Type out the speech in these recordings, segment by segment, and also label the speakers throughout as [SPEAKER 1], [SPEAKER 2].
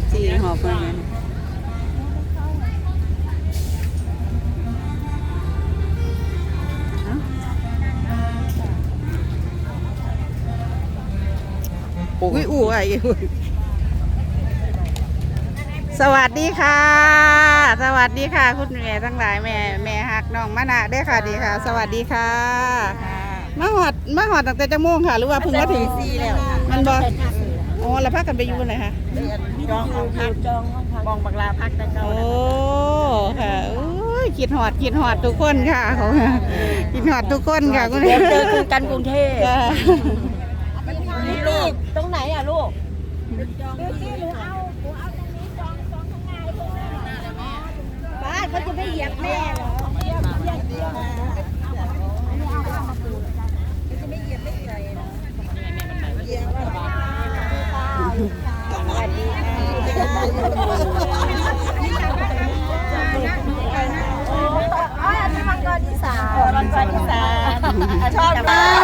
[SPEAKER 1] จีหอบมาเนี่ยอุ้ยอู้ไอ้สวัสดีค่ะสวัสดีค่ะคุณแม่ทั้งหลายแม่ฮักน้องมะนะได้ค่ะดีค่ะสวัสดีค่ะมาหอดตั้งแต่จะโมงค่ะหรือว่าเพิ่งมาถึงมันบออ๋อแล้วพักกันไปอยู่ไหนคะ
[SPEAKER 2] จองห้องพักมองบังลาพักได้เจ้า
[SPEAKER 1] โอ้ค่ะคิดหอดทุกคนค่ะเขาคิดหอดทุกคนค่ะคุณ
[SPEAKER 2] เดี๋ยวเจอกันกรุงเทพลูกตรงไหนอ่ะลูกบ้านเขาจะไม่เหยียบแม่เหรอสวัสดีค่ะอันนี้มังกรที่สามชอบมาก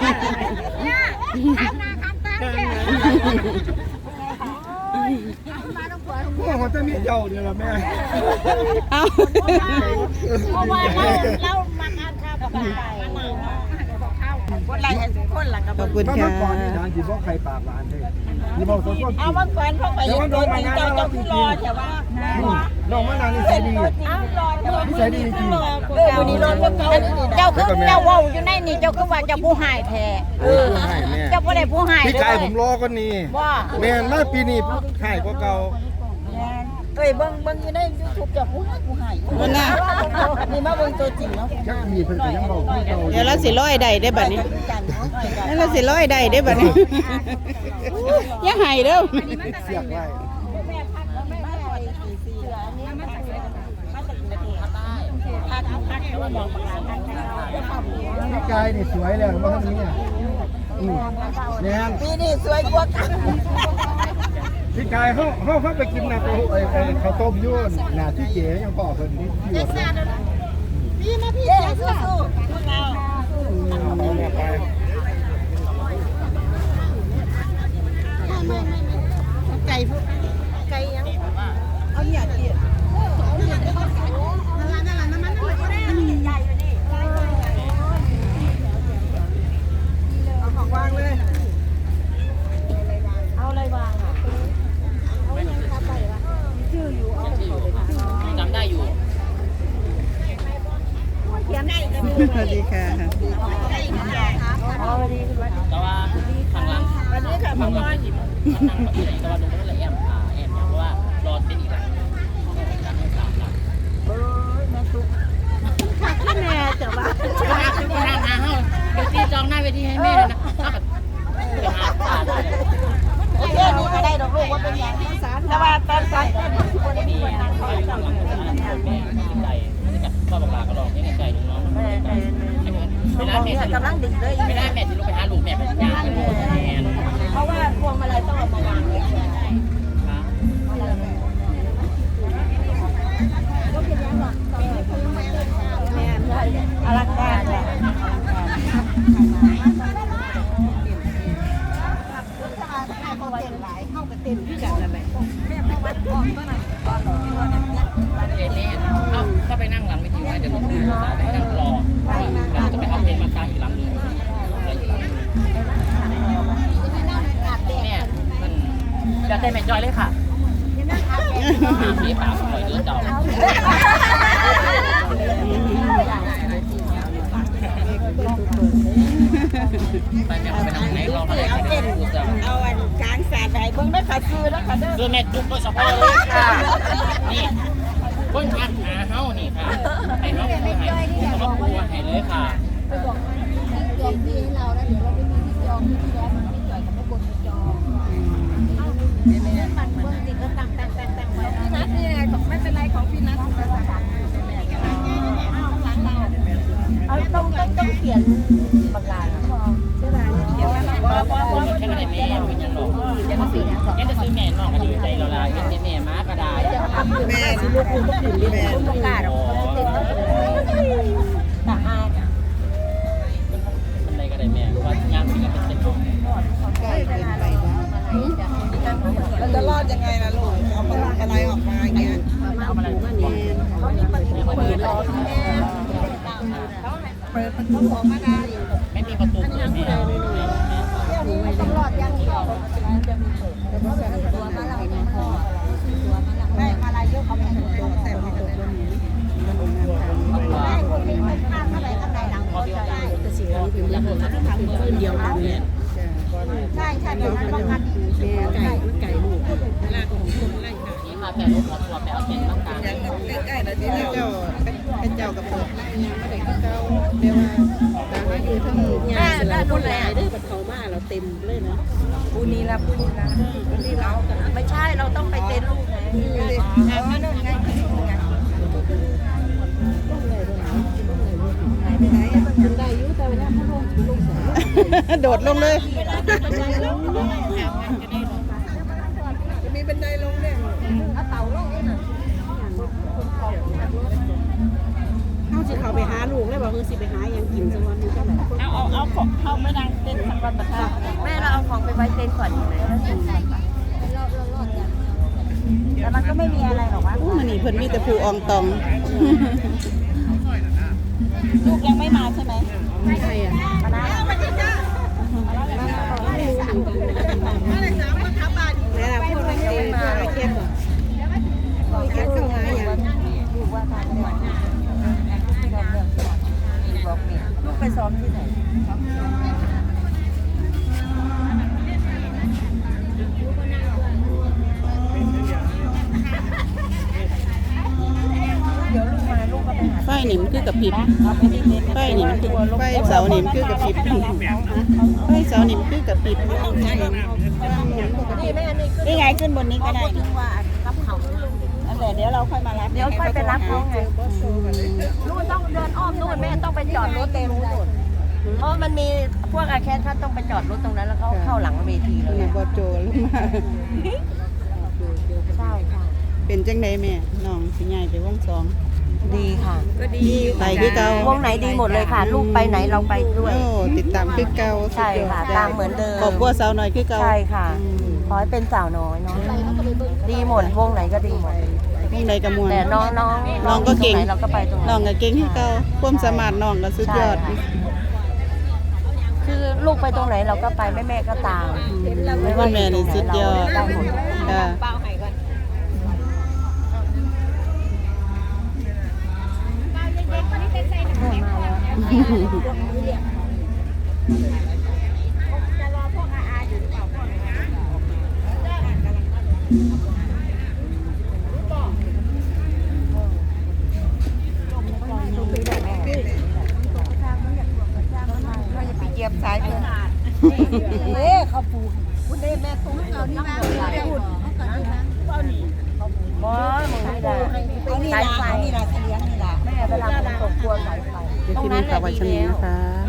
[SPEAKER 3] พวกเขาจะมีเจ้าเนี่ยละแม่
[SPEAKER 1] เอา
[SPEAKER 2] เพราะว่าเรามาทานข้าวกับอะไรคนไรคนหลังกับ
[SPEAKER 1] ขอบคุณ
[SPEAKER 3] เมื่
[SPEAKER 1] ค่ะ
[SPEAKER 3] อก่อนนี่ทางที่บอกใครปากหวานเลยนี่บอกตัวต้น
[SPEAKER 2] เอาบางคนพวกไปยังตัวจริงเจ้าผู้รอแต่ว่า
[SPEAKER 3] น้องมะนาวนี่ใส่ดี
[SPEAKER 2] ใส่ดีจริงวันนี้รอเจ้าคือเจ้าว่าอยู่ในนี่เจ้าคือว่าเจ้าผู้หายแท้เจ้าผู้ใดผู้หาย
[SPEAKER 3] พี่ไก่ผมรอก็นี่แม่มาปีนี้หายกว่าเก่า
[SPEAKER 2] เบิ้งอยู่ในยูทูบเจ้าผู้หาย
[SPEAKER 1] มันน่ะ
[SPEAKER 2] นี่มาเบิ้งตัวจริงเนาะ
[SPEAKER 3] จักมีเพิ่นก็ยังบอกเก่า
[SPEAKER 1] เดี๋ยวเราสิร้อยได้บัดนี้แล้วเราสิร้อยได้บัดนี้อย่าให้เด้อ
[SPEAKER 3] เสียกไว้พี่ไก่นี่สวยแล้วมาทางนี้อ่ะแม่น
[SPEAKER 2] ปีนี้สวยกว่ากัน
[SPEAKER 3] พี่กายเขาไปกินนะข้าวต้มยุ่นหน้าที่เก๋ยังบอกเพิ่นนี่ที่
[SPEAKER 2] พี่มาพี่สู้พวกเราไก่ยังเอาหยาดเดียดเอาของวางเลยเอาอะไรวางอ่ะ
[SPEAKER 4] จำได้อยู่
[SPEAKER 1] สวัสดีค่ะ
[SPEAKER 4] แต่ว่าทางหลัง
[SPEAKER 2] วันนี้ค่ะพ่อมอน
[SPEAKER 4] นั่งกับที่ไหนแต่ว่าดูไม่ละแอมอย่างเพราะว่ารอเป็นอีกหลังการให้สามหลัง
[SPEAKER 2] แม่ตุ๊กข้าแม่แต่ว่า
[SPEAKER 4] ก็นั่งหาเฮ้าเดี๋ยวตีจองหน้าเวทีให้แม่เลยนะถ้าแบบไปหาตา
[SPEAKER 2] โอเคนี่ก็ได้ดอกลูกว่าเป็นอย่างแต่ว่าตอนสันคนนี้คนนั้นเขาจะ
[SPEAKER 4] แม่ใจก็บอกลาก็ลองให้ใจน้องเวลาแม่
[SPEAKER 2] กำลังดึกเลย
[SPEAKER 4] ไม่ได้แม่จะลงไปหาลูกแม่เป็นยาเป็นแม่
[SPEAKER 2] เพราะว่าพวงมาลัยต้องเอามาวางไว้อลังการเลย
[SPEAKER 4] ถ้าไปนั่งหลังไม่ถึงจะต้องไปนั่งรอเราจะไปเอาเพลงมาตั้งอีกหลังนึงแม่มันจะได้แม่จอยเลยค่ะพี่ป่าคอยเดินเจ้าไปแม่ไปนั่งไหนเราไปเอาเต้น
[SPEAKER 2] เอาอันกลางสาดไหนเบิ่งได้ค่ะซื้อแล้วค่ะ
[SPEAKER 4] ซื้อแม่จุ๊บโดยเฉพาะเลยค่ะนี่คนทักหาเฮ้านี่ค่ะไอ้เฮ้าคือให้ครอบครัวให้เลยค่ะ
[SPEAKER 2] ไปบอกจองที่ให้เราแล้วเดี๋ยวเราไปมีที่จองที่แล้วมันไม่จ่อยกับไม่บนจองมันเบิ่งติดก็ตั้งไว้พี่นัทนี่ไม่เป็นไรของพี่นัทเอาต้องเขียนบังลาใช่ไหมเขียน
[SPEAKER 4] แค่ไหนแม่เป็นยังหรอกแค่จะซื้อแม่นอกก็ดีใจเราละแค่แม่ม้ากระดาษ
[SPEAKER 1] แม่สิลูกคุณก็ขึ้นดิแม่
[SPEAKER 2] ต้องกล้าหรอกตาอา
[SPEAKER 4] เป็นไรก็ได้แม่ว่าย่างมีเป็นเส้น
[SPEAKER 1] ใกล้เกินไป
[SPEAKER 2] เราจะรอดยังไงล่ะลูก
[SPEAKER 1] อะไรออกมาอย่างเงี้ย
[SPEAKER 4] เอาอะไรมาเนี่ย
[SPEAKER 2] เขามีประตูเปิดออกเปิดประตูออกมาได้
[SPEAKER 4] ไม่มีประตูเปิดแม่
[SPEAKER 2] เดี๋ยวนี้มันต้องรอดอย่างเดียวจะมีเปิดตัวมาลายตัวมาลายไม่มาลายเยอะเขาไม่ถึงตัวแต่ไม่ถึงได้คนมีคนข้ามเข้าไปข้างในหลังก็ได้แต่สิ่งนี้เป็นระบบที่ทำขึ้นเดียวกันเนี่ยใช่ใช่แบบนั้นป้องกันไก่ลูกเวลาของคนไล่ค่ะ
[SPEAKER 4] นี่มาแต่รถหัวตัวไปเอาเต็นท์ต่าง
[SPEAKER 1] ใกล้ๆแล้วที่เจ้าเป็นเจ้ากับเปิดยังไม่ได้คือเจ้าเรียกว่าแต่ว่าอยู่ทั้ง
[SPEAKER 2] แม่ได้ดูแล
[SPEAKER 5] ได้บัดเขามาเราเต็มเลยนะ
[SPEAKER 2] ปูนีละไม่ใช่เราต้องไปเต้นลูกไงนั่นไง
[SPEAKER 5] มันได้อยู่แต่เวลาเขาลงสาย
[SPEAKER 1] โดดลงเลย
[SPEAKER 5] มีบันไดลงเนี่ย
[SPEAKER 2] เอาเต่าลงนี่น่ะ
[SPEAKER 5] เขาสิเขาไปหาลูกแล้วบอกคือสิไปหายังกินสักวันนึงก็แบบ
[SPEAKER 2] เอาของเข้าไม่ดังเต้นสักวันประทับแม่เราเอาของไปไว้เต้นก่อนดีไหมแต่มันก็ไม่มีอะไรหรอกวะ
[SPEAKER 1] อู้มันนี่เพิ่นมีแต่ผู้อองตอง
[SPEAKER 2] ลูกยังไม่มาใช่ไหม
[SPEAKER 5] ใครอ่ะ
[SPEAKER 2] มานะ
[SPEAKER 5] แล้วเราพูดไม่ได้มาเก็บอ่ะเก็บเข้ามาอย่าง
[SPEAKER 2] ลูกว่าทางเนี่ยบอกเนี่ยลูกไปซ้อมที่ไหน เดี๋ยวลูกมาลูกก็ไปหา
[SPEAKER 1] ไฟนี่มันคือกับพริบ
[SPEAKER 2] เอาไปที่เน็ต
[SPEAKER 1] ไฟนี่มันคือไฟเสานี่มันคือกับพริบไฟเสานี่มันคือกับพริบ
[SPEAKER 2] นี่แม่นี่ไงขึ้นบนนี้ก็ได้ถึงว่ารับเขาอันเดี๋ยวเราค่อยมารับเดี๋ยวค่อยไปรับเขาไงลูกต้องเดินอ้อมนู่นแม่ต้องไปจอดรถเต็มนู่นเพราะมันมีพวกอาแคทท่านต้องไปจอดรถตรงนั้นแล้วเขาเข้าหลังเวทีเลย
[SPEAKER 1] นี่บ่โจลงมา
[SPEAKER 2] ใช่ค่ะ
[SPEAKER 1] เป็นจังไดแม่น้องสิใหญ่ไปวงสอง
[SPEAKER 2] ดีค่ะ
[SPEAKER 5] ก็ดี
[SPEAKER 1] ไปคือเก่าว
[SPEAKER 2] งไหนดีหมดเลยค่ะ ลูกไปไหนเราไปด้วย
[SPEAKER 1] โอ้ติดตามคือเก่า
[SPEAKER 2] ใช่ค่ะตามเหมือนเดิม
[SPEAKER 1] ครอบครัวสาวน้อยคือเก่า
[SPEAKER 2] ใช่ค่ะขอให้เป็นสาวน้อยเนาะดีหมดวงไหนก็ดีหมด
[SPEAKER 1] วงใดก็ม่วน
[SPEAKER 2] แต่น้อง
[SPEAKER 1] น้องก็เก่ง
[SPEAKER 2] ตรไหนเราก็ไปตรงนั้น
[SPEAKER 1] น้องก็เก่งคือเก่าความสามารถน้องก็สุดยอด
[SPEAKER 2] ใช่ค่ะ คือลูกไปตรงไหนเราก็ไปแม่ก็ตาม
[SPEAKER 1] คุณแม่นี่สุดยอด
[SPEAKER 2] ได้หมด
[SPEAKER 1] ค่ะ
[SPEAKER 2] เหยียบสายเพื่อนเขาปูคุณเด้แม่ตุ้งเอานี่มาพูดบอสมึงไม่ได้สายไฟนี่แหละเลี้ยงนี่แหละแม่เวลามันตกกลัวสายไฟ
[SPEAKER 1] เดี๋ยวที่นี่ฝากไว้ชมนี้นะคะ